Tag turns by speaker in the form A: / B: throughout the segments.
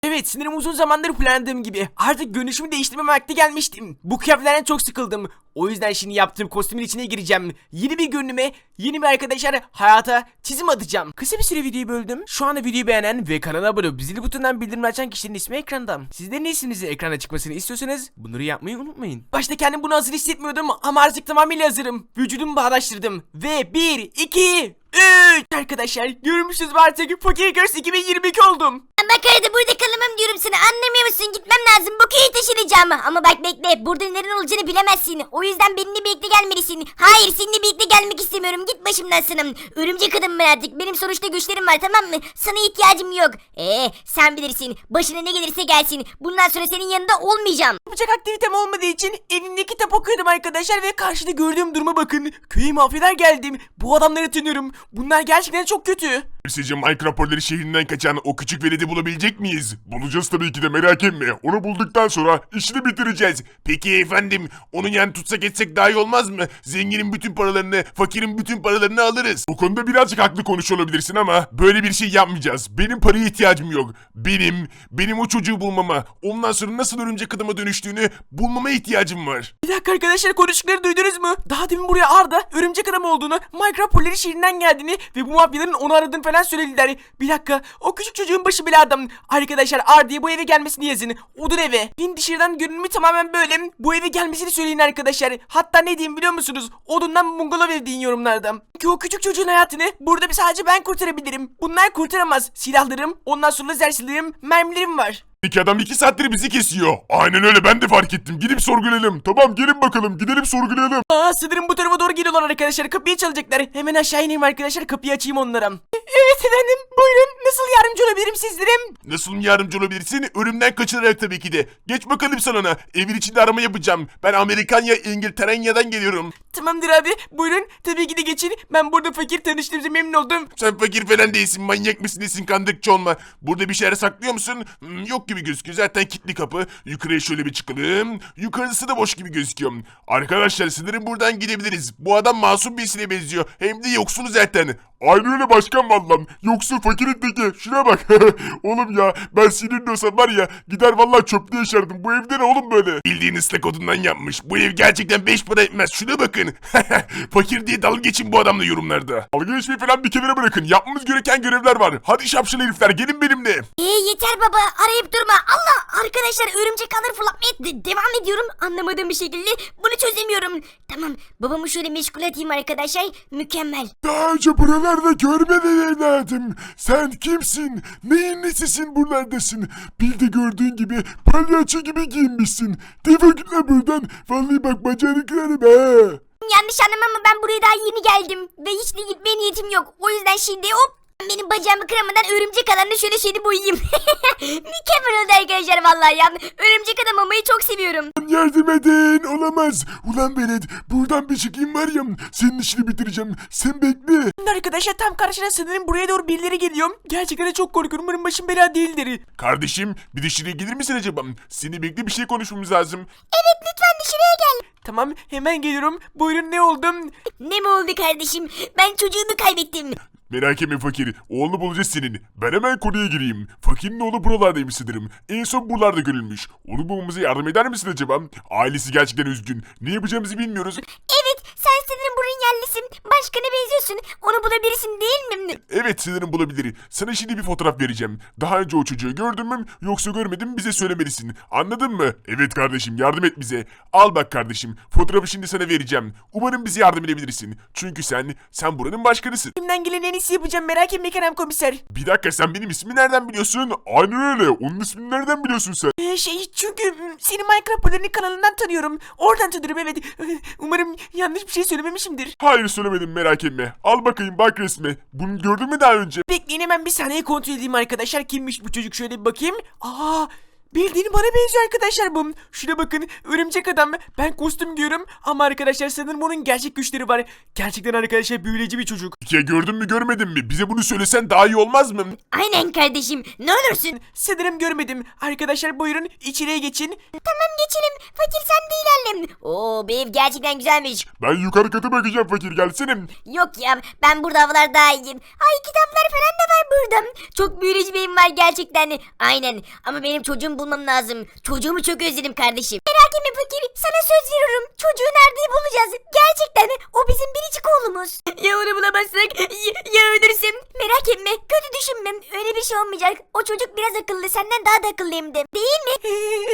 A: Evet, sanırım uzun zamandır planladığım gibi artık görünüşümü değiştirme vakti gelmiştim. Bu kıyafetlerden çok sıkıldım. O yüzden şimdi yaptığım kostümün içine gireceğim. Yeni bir görünüme, yeni bir arkadaşlar hayata çizim atacağım. Kısa bir süre videoyu böldüm. Şu anda videoyu beğenen ve kanala abone olup zil butonundan bildirim açan kişinin ismi ekranda. Sizlerin isminizin ekrana çıkmasını istiyorsanız bunları yapmayı unutmayın. Başta kendim bunu hazır hissetmiyordum ama artık tamamıyla hazırım. Vücudumu bağdaştırdım. Ve 1, 2, 3 arkadaşlar görmüşsünüz artık Fakir Girls 2022 oldum.
B: Bak arada burada kalamam diyorum sana, anlamıyor musun? Gitmem lazım, bu köyü taşınacağım. Ama bak bekle, burada neden olacağını bilemezsin. O yüzden benimle birlikte gelmelisin. Hayır, seninle birlikte gelmek istemiyorum, git başımdan sanım. Örümcek adam ben artık, benim sonuçta güçlerim var, tamam mı? Sana ihtiyacım yok. Sen bilirsin, başına ne gelirse gelsin. Bundan sonra senin yanında olmayacağım.
A: Yapacak aktivitem olmadığı için evimde kitap okuyordum arkadaşlar ve karşıda gördüğüm duruma bakın. Köye mafyalar geldim. Bu adamları tanıyorum. Bunlar gerçekten çok kötü.
C: Sizce Minecraft Polleri şehrinden kaçan o küçük veledi bulabilecek miyiz? Bulacağız tabii ki de, merak etme. Onu bulduktan sonra işini bitireceğiz. Peki efendim, onun yani tutsak etsek daha iyi olmaz mı? Zenginin bütün paralarını, fakirin bütün paralarını alırız. Bu konuda birazcık haklı konuşuyor olabilirsin ama böyle bir şey yapmayacağız. Benim paraya ihtiyacım yok. Benim o çocuğu bulmama, ondan sonra nasıl örümcek adama dönüştüğünü bulmama ihtiyacım var.
A: Bir dakika arkadaşlar, konuştukları duydunuz mu? Daha demin buraya Arda örümcek adam olduğunu, Minecraft Polleri şehrinden geldiğini ve bu mafyaların onu aradığını falan söylediler. Bir dakika, o küçük çocuğun başı belada. Arkadaşlar Arda'ya bu eve gelmesini yazın. Odur eve. Din dışarıdan görünümü tamamen böyle. Bu eve gelmesini söyleyin arkadaşlar. Hatta ne diyeyim biliyor musunuz? Odundan bungalov ev deyin yorumlarda. Ki o küçük çocuğun hayatını burada sadece ben kurtarabilirim. Bunlar kurtaramaz. Silahlarım, ondan sonra lazer silahlarım, mermilerim var.
C: İki adam 2 saattir bizi kesiyor. Aynen öyle, ben de fark ettim. Gidip sorgulayalım. Tamam, gelin bakalım, gidelim sorgulayalım.
A: Sanırım bu tarafa doğru geliyorlar arkadaşlar. Kapıyı çalacaklar. Hemen aşağı ineyim arkadaşlar. Kapıyı açayım onlara. Evet efendim. Buyurun. Nasıl yardımcı olabilirim sizlere?
C: Nasıl yardımcı olabilirsin? Ölümden kaçınarak tabii ki de. Geç bakalım salona. Evin içinde arama yapacağım. Ben Amerikanya, İngiltere'den geliyorum.
A: Tamamdır abi. Buyurun. Tabii ki de geçin. Ben burada fakir, tanıştığımıza memnun oldum.
C: Sen fakir falan değilsin. Manyak mısın nesin, kandırıkçı olma. Burada bir şeyler saklıyor musun? Yok gibi gözüküyor. Zaten kilitli kapı. Yukarıya şöyle bir çıkalım. Yukarısı da boş gibi gözüküyor. Arkadaşlar sanırım buradan gidebiliriz. Bu adam masum birisine benziyor. Hem de yoksul zaten. Aynı öyle başkan vallam. Yoksul fakirin teki. Şuna bak. Oğlum ya, ben sinirli olsam var ya, gider vallahi çöpte yaşardım. Bu evde ne oğlum böyle? Bildiğin ıslak odundan yapmış. Bu ev gerçekten 5 para etmez. Şuna bakın. Fakir diye dalga geçin bu adamla yorumlarda. Dalga geçmeyi falan bir kenara bırakın. Yapmamız gereken görevler var. Hadi şapşal herifler, gelin benimle.
B: Yeter baba, arayıp durma. Allah, arkadaşlar örümcek ağları fırlatmaya devam ediyorum. Anlamadığım bir şekilde bunu çözemiyorum. Tamam, babamı şöyle meşgul edeyim arkadaşlar. Mükemmel.
C: Daha önce buralarda görmedin evladım. Sen kimsin? Neyin nesisin buralardasın? Bir de gördüğün gibi palyaço gibi giyinmişsin. Defol git lan buradan. Vallahi bak bacağını kırarım ha.
B: Yanlış anlama ama ben buraya daha yeni geldim. Ve hiç de gitmeye niyetim yok. O yüzden şimdi hop, benim bacağımı kıramadan örümcek alanına şöyle boyayayım. Mükemmel oldu arkadaşlar vallahi ya. Örümcek adam olmayı çok seviyorum.
C: Yardım edin, olamaz. Ulan Benet, buradan bir çıkayım var ya, senin işini bitireceğim. Sen bekle.
A: Şimdi arkadaşlar tam karşına sanırım buraya doğru birileri geliyor. Gerçekten de çok korkuyorum. Umarım başım bela değildir.
C: Kardeşim, bir dışarıya gelir misin acaba? Seni bekle, bir şey konuşmamız lazım.
B: Evet, lütfen dışarıya gel.
A: Tamam, hemen geliyorum. Buyurun, ne oldum?
B: Ne mi oldu kardeşim? Ben çocuğumu kaybettim.
C: Merak etme fakir, oğlunu bulacağız senin. Ben hemen konuya gireyim. Fakirin oğlu buralardaymış sanırım. En son buralarda görülmüş. Onu bulmamıza yardım eder misin acaba? Ailesi gerçekten üzgün. Ne yapacağımızı bilmiyoruz.
B: Evet, sen sanırım buranın yerlisin. Başkana benziyorsun. Onu bulabilirsin değil mi?
C: Evet, sanırım bulabilir. Sana şimdi bir fotoğraf vereceğim. Daha önce o çocuğu gördün mü yoksa görmedin mi bize söylemelisin. Anladın mı? Evet kardeşim, yardım et bize. Al bak kardeşim, fotoğrafı şimdi sana vereceğim. Umarım bize yardım edebilirsin. Çünkü sen buranın başkanısın.
A: Elimden gelen en iyisi yapacağım, merak etme Kerem komiser.
C: Bir dakika, sen benim ismimi nereden biliyorsun? Aynen öyle. Onun ismini nereden biliyorsun sen?
A: Çünkü seni Minecraft Poller'in kanalından tanıyorum. Oradan tanıyorum, evet. Umarım yanlış bir şey söylememişimdir.
C: Hayır söylemedim, merak etme. Al bakayım, bak resme. Bunu gördün mü daha önce?
A: Bekleyin, hemen bir saniye kontrol edeyim arkadaşlar. Kimmiş bu çocuk, şöyle bir bakayım. Bildiğin bana benziyor arkadaşlar bu. Şuna bakın, örümcek adam. Ben kostüm giyiyorum ama arkadaşlar sanırım onun gerçek güçleri var. Gerçekten arkadaşlar büyüleyici bir çocuk.
C: Ya gördün mü görmedin mi? Bize bunu söylesen daha iyi olmaz mı?
B: Aynen kardeşim ne olursun.
A: Sanırım görmedim. Arkadaşlar buyurun içeriye geçin.
B: Tamam geçelim. Fakir sen de ilerle. Oo bu ev gerçekten güzelmiş.
C: Ben yukarı kata bakacağım fakir gelsene.
B: Yok ya ben burada havalar daha iyiyim. Ay kitaplar falan da var burada. Çok büyüleyici bir evim var gerçekten. Aynen ama benim çocuğumu bulmam lazım. Çocuğumu çok özledim kardeşim. Merak etme fakir sana söz veriyorum. Çocuğu nerede bulacağız? Gerçekten o bizim biricik oğlumuz. Ya onu bulamazsak ya ölürsem. Merak etme kötü düşünmem. Öyle bir şey olmayacak. O çocuk biraz akıllı senden daha da akıllı hem de. Değil mi?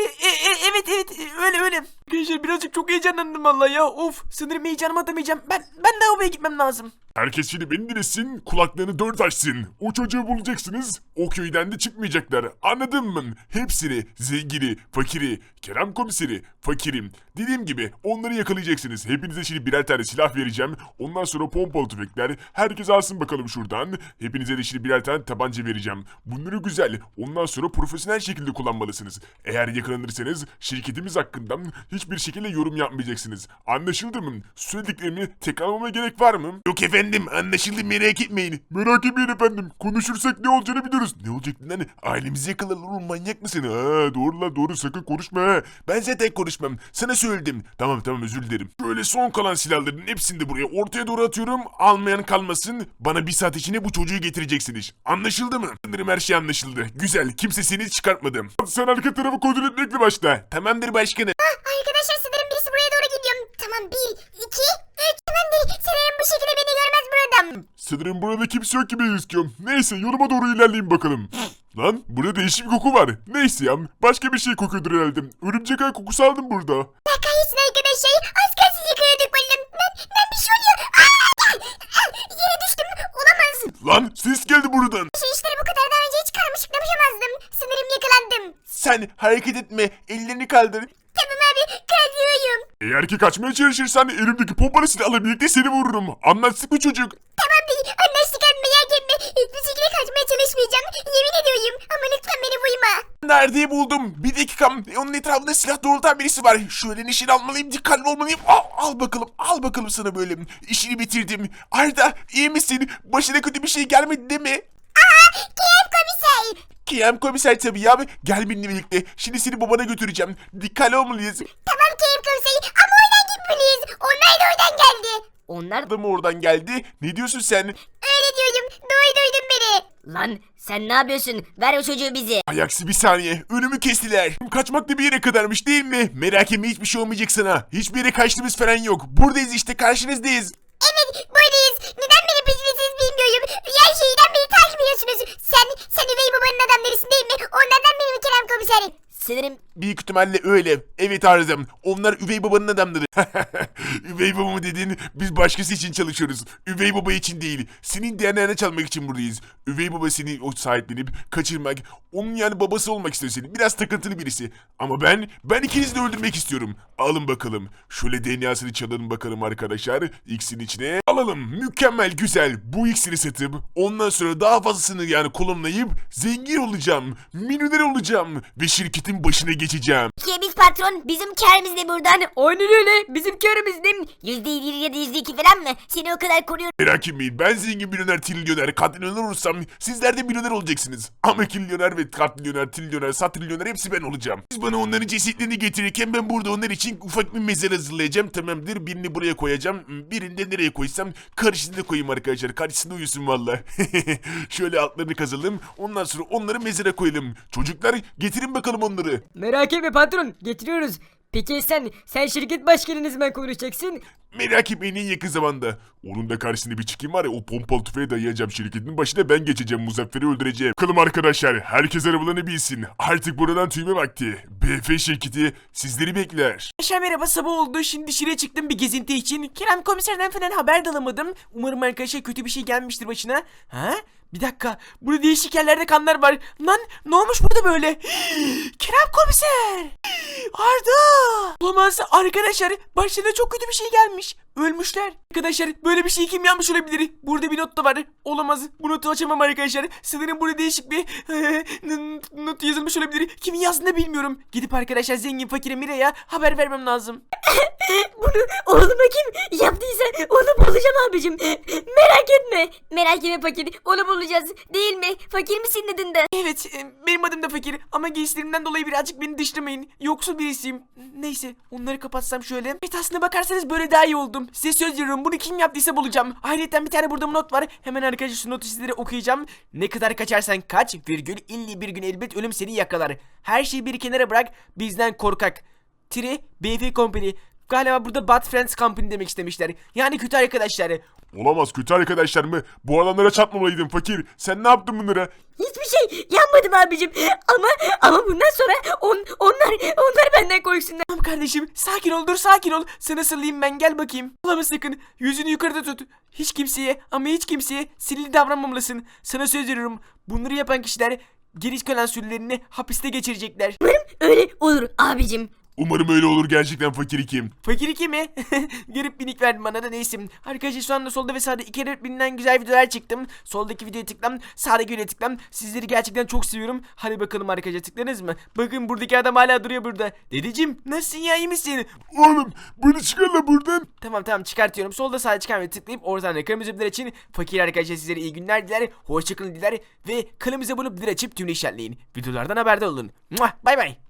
A: Evet öyle. Arkadaşlar birazcık çok heyecanlandım vallahi ya. Of sanırım heyecanımı atamayacağım. Ben de lavaboya gitmem lazım.
C: Herkes şimdi beni dinlesin, kulaklarını dört açsın. O çocuğu bulacaksınız, o köyden de çıkmayacaklar. Anladın mı? Hepsini, zengini, fakiri, Kerem komiseri, fakirim. Dediğim gibi onları yakalayacaksınız. Hepinize şimdi birer tane silah vereceğim. Ondan sonra pompalı tüfekler. Herkes alsın bakalım şuradan. Hepinize de şimdi birer tane tabanca vereceğim. Bunları güzel. Ondan sonra profesyonel şekilde kullanmalısınız. Eğer yakalanırsanız şirketimiz hakkında hiçbir şekilde yorum yapmayacaksınız. Anlaşıldı mı? Söylediklerimi tekrarlamama gerek var mı? Yok efendim anlaşıldı merak etmeyin. Merak etmeyin efendim. Konuşursak ne olacağını biliyoruz. Ne olacak lan? Ailemizi yakalarlar oğlum manyak mısın? Ha doğru lan doğru sakın konuşma ha. Ben zaten konuşmam. Sana söyledim. Tamam özür dilerim. Şöyle son kalan silahların hepsini de buraya ortaya doğru atıyorum. Almayan kalmasın. Bana bir saat içinde bu çocuğu getireceksiniz. Anlaşıldı mı? Sanırım her şey anlaşıldı. Güzel. Kimse seni çıkartmadım. Sen arka tarafı kontrol etmekle başla. Tamamdır başkanım.
B: Arkadaşlar sanırım birisi buraya doğru gidiyor. Tamam 1, 2, 3 tamamdır. Sanırım bu şekilde beni görmez buradan.
C: Sanırım burada kimse yok gibi gözüküyor. Neyse yoluma doğru ilerleyin bakalım. Lan burada değişik bir koku var. Neyse ya başka bir şey kokuyordur herhalde. Örümcek ağ kokusu aldım burada.
B: Kahretsin arkadaşlar. Az kalsın yıkıyorduk vallahi. Ben bir şey oluyor. Yere düştüm. Olamaz.
C: Lan ses geldi buradan.
B: Şu işleri bu kadar daha önce hiç karmaşık yapamazdım. Sanırım yakalandım.
C: Sen hareket etme. Ellerini kaldır.
B: Tamam abi kaldırıyorum.
C: Eğer ki kaçmaya çalışırsan elimdeki pompalı silahla birlikte seni vururum. Anlaştık mı çocuk?
B: Tamam bir anlaştık abi merak etme. Hiçbir şekilde kaçmaya çalışmayacağım. Yemin ediyorum. Ama lütfen beni vurma.
C: Nerede buldum? Bir dakika. Onun etrafında silah doğrultan birisi var. Şöyle nişan almalıyım, dikkatli olmalıyım. Al bakalım sana böyle. İşini bitirdim. Arda iyi misin? Başına kötü bir şey gelmedi değil mi?
B: Kerem komiser.
C: Kerem komiser tabii ya. Gel benimle birlikte. Şimdi seni babana götüreceğim. Dikkatli olmalıyız.
B: Tamam Kerem komiser ama oradan gitmeliyiz. Onlar da oradan geldi. Onlar
C: Da mı oradan geldi? Ne diyorsun sen?
B: öyle diyorum. Duydun beni. Lan sen ne yapıyorsun? Ver o çocuğu bize.
C: Ayaksi bir saniye. Önümü kestiler. Kaçmak da bir yere kadarmış değil mi? Merak etme hiçbir şey olmayacak sana. Hiçbir yere kaçtığımız falan yok. Buradayız işte karşınızdayız.
B: Evet buradayız. Neden beni peşindesiniz bilmiyorum. Her şeyden beni takip ediyorsunuz. Sen üvey babanın adamlarısın değil mi? Onlardan biri mi Kerem komiserim? Sanırım
C: Büyük ihtimalle öyle. Evet Arızam. Onlar üvey babanın adamları. Üvey baba mı dedin? Biz başkası için çalışıyoruz. Üvey baba için değil. Senin DNA'nı çalmak için buradayız. Üvey baba seni o sahiplenip kaçırmak. Onun yani babası olmak istiyor senin. Biraz takıntılı birisi. Ama ben ikinizi de öldürmek istiyorum. Alın bakalım. Şöyle DNA'sını çalalım bakalım arkadaşlar. X'in içine alalım. Mükemmel güzel. Bu X'ini satıp ondan sonra daha fazlasını yani kolumlayıp zengin olacağım. Milyoner olacağım. Ve şirketin başına geçeceğim.
B: ki biz patron bizim kârımız ne buradan? Aynen öyle bizim kârımız değil mi? %1 ya da %2 falan mı? Seni o kadar koruyorum.
C: Merak etmeyin ben zengin milyoner trilyoner katrilyoner olursam sizler de milyoner olacaksınız. Ama trilyoner ve katrilyoner trilyoner satrilyoner hepsi ben olacağım. Siz bana onların cesetlerini getirirken ben burada onlar için ufak bir mezar hazırlayacağım tamamdır. Birini buraya koyacağım. Birini de nereye koysam karşısına koyayım arkadaşlar. Karşısında uyusun valla. Şöyle altlarını kazalım. Ondan sonra onları mezara koyalım. Çocuklar getirin bakalım onları.
D: Merak etme patron, getiriyoruz. Peki sen şirket başkanı ne zaman konuşacaksın?
C: Merak etmeyin en yakın zamanda. Onun da karşısında bir çıkayım var ya o pompalı tüfeği dayayacağım şirketin başına ben geçeceğim Muzaffer'i öldüreceğim. Bakalım arkadaşlar herkes arabalarını bilsin. Artık buradan tüyme vakti. BF şirketi sizleri bekler.
A: Arkadaşlar merhaba sabah oldu. Şimdi dışarıya çıktım bir gezinti için. Kerem komiserden falan haber de alamadım. Umarım arkadaşlar kötü bir şey gelmiştir başına. Ha? Bir dakika. Burada değişik yerlerde kanlar var. Lan ne olmuş burada böyle? Kerem komiser. Arda. Olamaz arkadaşlar. Başlarına çok kötü bir şey gelmiş. Ölmüşler. Arkadaşlar böyle bir şey kim yapmış olabilir? Burada bir not da var. Olamaz. Bu notu açamam arkadaşlar. Sanırım burada değişik bir not yazılmış olabilir. Kimin yazdığını bilmiyorum. Gidip arkadaşlar zengin fakire Mira'ya haber vermem lazım.
D: Bunu oğluma kim yaptıysa onu bulacağım abicim. Merak etme.
B: Merak etme fakir. Onu bulacağız. Değil mi? Fakir misin dedin de?
A: Evet, benim adım da fakir ama giysilerimden dolayı birazcık beni dışlamayın. Yoksul birisiyim. Neyse, onları kapatsam şöyle. Evet, aslına bakarsanız böyle daha iyi oldum. Size söz veriyorum, bunu kim yaptıysa bulacağım. Ayrıca bir tane burada not var. Hemen arkadaşlar şu notu sizlere okuyacağım. Ne kadar kaçarsan kaç, virgül, illa bir gün elbet ölüm seni yakalar. Her şeyi bir kenara bırak, bizden korkak. BF Company. Galiba burada Bad Friends Company demek istemişler. Yani kötü arkadaşlar.
C: Olamaz, kötü arkadaşlar mı? Bu adamlara çarpmamalıydın fakir. Sen ne yaptın bunlara?
D: Hiçbir şey yapmadım abicim. Ama bundan sonra onlar benden korksunlar.
A: Tamam kardeşim, sakin ol, dur sakin ol. Sana sarılayım ben, gel bakayım. Ağlama sakın, yüzünü yukarıda tut. Hiç kimseye sinirli davranmamalısın. Sana söz veriyorum, bunları yapan kişiler geri kalan sürelerini hapiste geçirecekler.
D: Öyle olur abicim.
C: Umarım öyle olur gerçekten fakir kim?
A: Fakir 2 mi? Garip bir nick verdim bana da, neyse. Arkadaşlar şu anda solda ve sağda iki birbirinden güzel videolar çıktım. Soldaki videoya tıklam, sağdaki videoya tıklam. Sizleri gerçekten çok seviyorum. Hadi bakalım arkadaşlar, tıkladınız mı? Bakın buradaki adam hala duruyor burada. Dedeciğim nasılsın ya, iyi misin?
C: Oğlum bunu çıkar la buradan.
A: Tamam çıkartıyorum. Solda sağda çıkan ve tıklayıp oradan da kırmızı bilir için fakir arkadaşlar sizlere iyi günler diler. Hoşçakalın diler ve kanalımıza abone olup bilir açıp tüm işaretleyin. Videolardan haberdar olun. Bay bay.